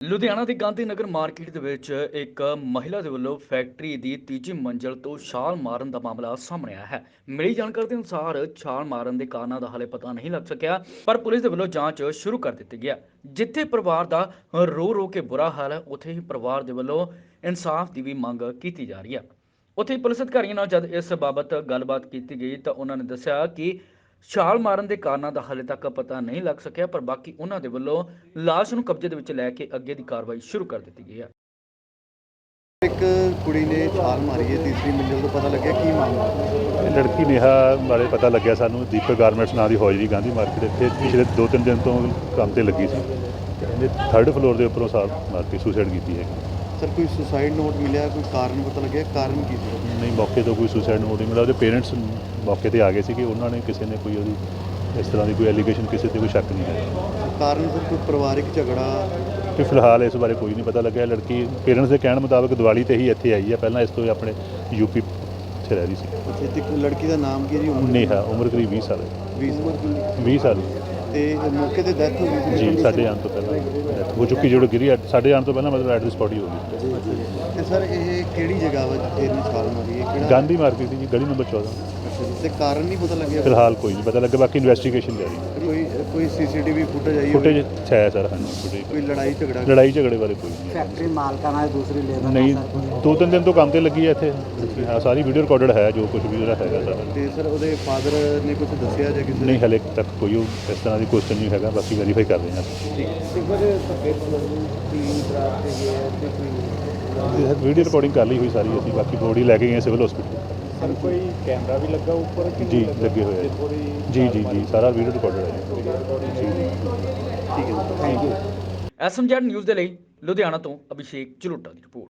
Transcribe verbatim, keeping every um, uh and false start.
ਲੁਧਿਆਣਾ ਦੀ ਗਾਂਧੀ ਨਗਰ ਮਾਰਕੀਟ ਦੇ ਵਿੱਚ ਇੱਕ ਮਹਿਲਾ ਦੇ ਵੱਲੋਂ ਫੈਕਟਰੀ ਦੀ ਤੀਜੀ ਮੰਜ਼ਲ ਤੋਂ ਛਾਲ ਮਾਰਨ ਦਾ ਮਾਮਲਾ ਸਾਹਮਣੇ ਆਇਆ ਹੈ। ਮਿਲੀ ਜਾਣਕਾਰੀ ਦੇ ਅਨੁਸਾਰ ਛਾਲ ਮਾਰਨ ਦੇ ਕਾਰਨਾਂ ਦਾ ਹਾਲੇ ਪਤਾ ਨਹੀਂ ਲੱਗ ਸਕਿਆ, ਪਰ ਪੁਲਿਸ ਦੇ ਵੱਲੋਂ ਜਾਂਚ ਸ਼ੁਰੂ ਕਰ ਦਿੱਤੀ ਗਿਆ। ਜਿੱਥੇ ਪਰਿਵਾਰ ਦਾ ਰੋ ਰੋ ਕੇ ਬੁਰਾ ਹਾਲ ਹੈ, ਉੱਥੇ ਹੀ ਪਰਿਵਾਰ ਦੇ ਵੱਲੋਂ ਇਨਸਾਫ ਦੀ ਵੀ ਮੰਗ ਕੀਤੀ ਜਾ ਰਹੀ ਹੈ। ਉੱਥੇ ਹੀ ਪੁਲਿਸ ਅਧਿਕਾਰੀਆਂ ਨਾਲ ਜਦ ਇਸ ਬਾਬਤ ਗੱਲਬਾਤ ਕੀਤੀ ਗਈ ਤਾਂ ਉਹਨਾਂ ਨੇ ਦੱਸਿਆ ਕਿ ਛਾਲ ਮਾਰਨ ਦੇ ਕਾਰਨਾਂ ਦਾ ਹਾਲੇ ਤੱਕ ਪਤਾ ਨਹੀਂ ਲੱਗ ਸਕਿਆ, ਪਰ ਬਾਕੀ ਉਹਨਾਂ ਦੇ ਵੱਲੋਂ ਲਾਸ਼ ਨੂੰ ਕਬਜ਼ੇ ਦੇ ਵਿੱਚ ਲੈ ਕੇ ਅੱਗੇ ਦੀ ਕਾਰਵਾਈ ਸ਼ੁਰੂ ਕਰ ਦਿੱਤੀ ਗਈ ਹੈ। ਇੱਕ ਕੁੜੀ ਨੇ ਛਾਲ ਮਾਰੀ ਹੈ ਤੀਸਰੀ ਮੰਜ਼ਿਲ ਤੋਂ, ਪਤਾ ਲੱਗਿਆ ਕੀ ਮਾਮਲਾ? ਇਹ ਲੜਕੀ ਨੇਹਾ ਬਾਰੇ ਪਤਾ ਲੱਗਿਆ ਸਾਨੂੰ। ਦੀਪਕ ਗਾਰਮੈਂਟਸ ਨਾਂ ਦੀ ਹੌਜਰੀ ਗਾਂਧੀ ਮਾਰਕੀਟ ਇੱਥੇ ਪਿਛਲੇ ਦੋ ਤਿੰਨ ਦਿਨ ਤੋਂ ਕੰਮ ਤੇ ਲੱਗੀ ਸੀ। ਇਹਨੇ ਥਰਡ ਫਲੋਰ ਦੇ ਉੱਪਰੋਂ ਛਾਲ ਮਾਰ ਕੇ ਸੁਸਾਈਡ ਕੀਤੀ ਹੈ। ਸਰ ਕੋਈ ਸੁਸਾਈਡ ਨੋਟ ਮਿਲਿਆ? ਕੋਈ ਕਾਰਨ ਪਤਾ ਲੱਗਿਆ? ਕਾਰਨ ਕੀ ਸੀ? ਨਹੀਂ, ਮੌਕੇ ਤੋਂ ਕੋਈ ਸੁਸਾਈਡ ਨੋਟ ਨਹੀਂ ਮਿਲਿਆ। ਉਹਦੇ ਪੇਰੈਂਟਸ ਮੌਕੇ ਤੇ ਆ ਗਏ ਸੀ ਕਿ ਉਹਨਾਂ ਨੇ ਕਿਸੇ ਨੇ ਕੋਈ ਉਹਦੀ ਇਸ ਤਰ੍ਹਾਂ ਦੀ ਕੋਈ ਐਲੀਗੇਸ਼ਨ, ਕਿਸੇ ਤੇ ਕੋਈ ਸ਼ੱਕ ਨਹੀਂ ਹੈ। ਕਾਰਨ ਸਰ ਕੋਈ ਪਰਿਵਾਰਿਕ ਝਗੜਾ? ਕਿ ਫਿਲਹਾਲ ਇਸ ਬਾਰੇ ਕੋਈ ਨਹੀਂ ਪਤਾ ਲੱਗਿਆ। ਲੜਕੀ ਪੇਰੈਂਟਸ ਦੇ ਕਹਿਣ ਮੁਤਾਬਕ ਦੀਵਾਲੀ ਤੇ ਹੀ ਇੱਥੇ ਆਈ ਹੈ। ਪਹਿਲਾਂ ਇਸ ਤੋਂ ਆਪਣੇ ਯੂਪੀ 'ਚ ਰਹਿ ਰਹੀ ਸੀ। ਅੱਛਾ, ਤੇ ਲੜਕੀ ਦਾ ਨਾਮ ਕੀ ਹੈ ਜੀ? ਉਮਰ ਨੇਹਾ, ਉਮਰ ਕਰੀਬ ਵੀਹ ਸਾਲ ਹੈ। ਵੀਹ ਸਾਲ ਵੀਹ ਸਾਲ ਤੇ ਮੌਕੇ ਤੇ ਡੈਥ ਹੋ ਗਈ ਸੀ ਜੀ। ਸਾਡੇ ਆਉਣ ਤੋਂ ਪਹਿਲਾਂ death ਹੋ ਚੁੱਕੀ, ਜਿਹੜੀ ਗਿਰੀ ਸਾਡੇ ਆਉਣ ਤੋਂ ਪਹਿਲਾਂ ਮਤਲਬ ਐਟ ਦੀ ਸਪੌਟ ਹੀ ਹੋ ਗਈ। ਤੇ ਸਰ ਇਹ ਕਿਹੜੀ ਜਗ੍ਹਾ ਵਾ ਜਿੱਥੇ ਇਹਨੇ ਛਾਲ ਮਾਰੀ ਹੈ? ਕਿਹੜਾ? ਗਾਂਧੀ ਮਾਰਕੀਟ ਦੀ ਜੀ, ਗਲੀ ਨੰਬਰ ਚੌਦਾਂ। ਅੱਛਾ ਜੀ, ਤੇ ਕਾਰਨ ਨਹੀਂ ਪਤਾ ਲੱਗਿਆ? ਫਿਲਹਾਲ ਕੋਈ ਨਹੀਂ ਪਤਾ ਲੱਗਾ, ਬਾਕੀ ਇਨਵੈਸਟੀਗੇਸ਼ਨ ਜਾਰੀ ਹੈ। ਕੋਈ ਕੋਈ ਸੀਸੀਟੀਵੀ ਫੁਟੇਜ ਆਈ ਹੋਵੇ? ਫੁਟੇਜ ਹੈ ਸਰ। ਹਾਂਜੀ, ਫੁਟੇਜ ਕੋਈ ਲੜਾਈ ਝਗੜਾ? ਲੜਾਈ ਝਗੜੇ ਬਾਰੇ ਕੋਈ ਨਹੀਂ ਹੈ। ਫੈਕਟਰੀ ਮਾਲਕਾਂ ਨਾਲ ਦੂਸਰੀ ਲੇਬਰ ਨਹੀਂ, ਦੋ ਤਿੰਨ ਦਿਨ ਤੋਂ ਕੰਮ ਤੇ ਲੱਗੀ ਹੈ ਇੱਥੇ। ਹਾਂ, ਸਾਰੀ ਵੀਡੀਓ ਰਿਕਾਰਡਡ ਹੈ, ਜੋ ਕੁਝ ਵੀ ਉਹਦਾ ਹੈਗਾ ਸਾਰਾ। ਤੇ ਸਰ ਉਹਦੇ ਫਾਦਰ ਨੇ ਕੁਝ ਦੱਸਿਆ ਜਾਂ ਕਿਸੇ ਨੇ? ਨਹੀਂ, ਹਲੇ ਤੱਕ ਕੋਈ ਉਹ ਇਸ ਤਰ੍ਹਾਂ ਦੀ ਕੁਐਸਚਨ ਨਹੀਂ ਹੈਗਾ, ਬਾਕੀ ਵੈਰੀਫਾਈ ਕਰ ਰਹੇ ਹਾਂ। ਵੀਡੀਓ ਰਿਕਾਰਡਿੰਗ ਕਰ ਲਈ ਹੋਈ ਸਾਰੀ ਅਸੀਂ, ਬਾਕੀ ਬੋਡੀ ਲੈ ਕੇ ਗਏ ਸਿਵਲ ਹਸਪੀਟਲ। ਸਰ ਕੋਈ ਕੈਮਰਾ ਵੀ ਲੱਗਾ ਉੱਪਰ ਕਿ ਜੀ ਲੱਗੇ ਹੋਏ ਆ ਜੀ ਜੀ ਜੀ ਸਾਰਾ ਵੀਡੀਓ ਰਿਕਾਰਡਡ ਹੈ ਜੀ ਜੀ। ਠੀਕ ਹੈ, ਥੈਂਕ ਯੂ। ਐਸਐਮਜੈਡ ਨਿਊਜ਼ ਦੇ ਲਈ ਲੁਧਿਆਣਾ ਤੋਂ ਅਭਿਸ਼ੇਕ ਝਲੂਟਾ ਦੀ ਰਿਪੋਰਟ।